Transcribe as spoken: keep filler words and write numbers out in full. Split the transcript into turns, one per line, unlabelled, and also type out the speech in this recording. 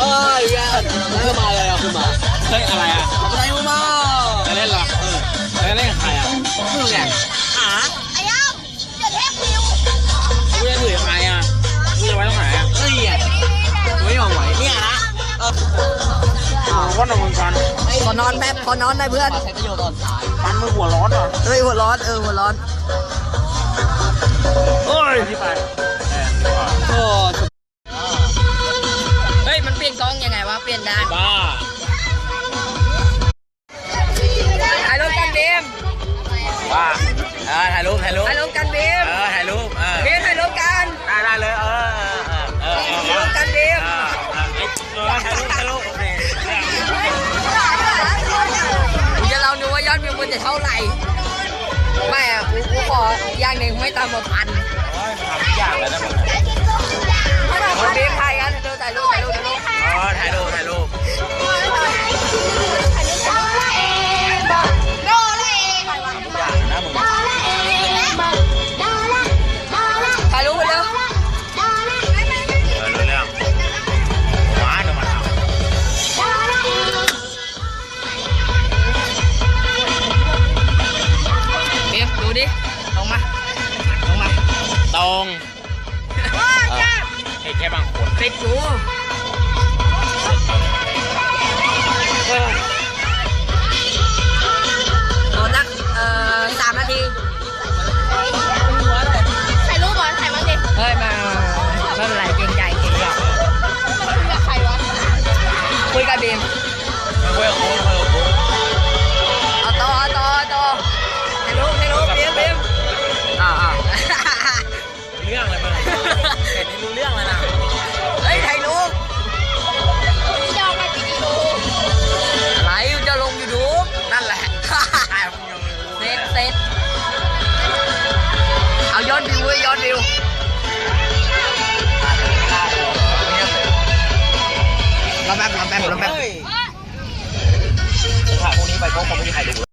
ยแย่เริ่มมาเลยอ่ะขึ้นมา
เฮ้ยอะไรอ่ะ
ทำอะไรมา
จะเล่นหรอเออจะเล่นกับใครอ่ะ
ไม่รู้ไง
หาไอ้ย่ำจะเทพคิว
กูจะถือใครอ่ะกูจะไว้ตรงไหนอ่ะ
เฮ้ยไม่ยอมไหวเนี่ยนะเออ
ว่านอนมึงกัน
ขอนอนแป๊บขอนอนได้เพื่อน
ใช้ประโยชน์ตอนสาย
ปันมือหัวร้อนอ่ะ
เฮ้ยหัวร้อนเออหัวร้อน
เฮ้ยที่ไป
โอ้
เฮ้ยมันเปลี่ยนกล้องยังไงวะเปลี่ยนได้
บ้า
ถ่ายรูปกันบีม
บ้าเออถ่ายรูปถ่ายรูป
ถ่ายรูปกันบีม
เออถ่ายรูปเออ
บีมถ่ายรูปกัน
ได้ได้เลยเออเออเออ
ถ่ายรูปกันบีม
ถ่ายรูปถ่ายรูปโอเค
เดี๋ยวเราดูว่ายอดวิวมันจะเท่าไหร่ไม่อะกูกูขออย่างหนึ่งไม่ต่ำกว่าพัน
ทำยากแล้วนะมึง
บีมถ่ายกันดูถ่ายรูปถ่ายรูปถ่ายรูป
อ๋อถ่ายรูปถ่ายรูปนะมึง
ถ่ายรูปไปเร็ว
เออรู้เรื่องว้าเดี๋ยวมาทำ
เบียมดูดิลงมาลงมา
ตรงเห็นแค่บางคน
ติดกูโดนนักเอ่อสามนาที
ถ่ายรูปบอลถ่ายมั้งดิ
เฮ้ยมาไม่เป็นไรเกรงใจเกรงใจ
มันคุยกับใครวะ
คุยกับบีม
คุยกับโค้ชคุยกับโค้ช
เอาต่อเอาต่อเอาต่อให้รู้ให้รู้บีมบีม
อ่าอ่าเรื่องอะไรมึงเห็นนี่รู้เรื่องแล้วนะ
เฮ้ยถ่ายรูป
พี่จองมาวิดีโอ
อะไรจะลงยูทูบ
นั่นแหละถ่ายมึงยังไม่รู้
เซตเซตเอายอดวิวเว้ยยอดวิวรอแป๊บรอแป๊บรอแป๊บ
ถ่ายพวกนี้ไปเพราะคงไม่มีใครดู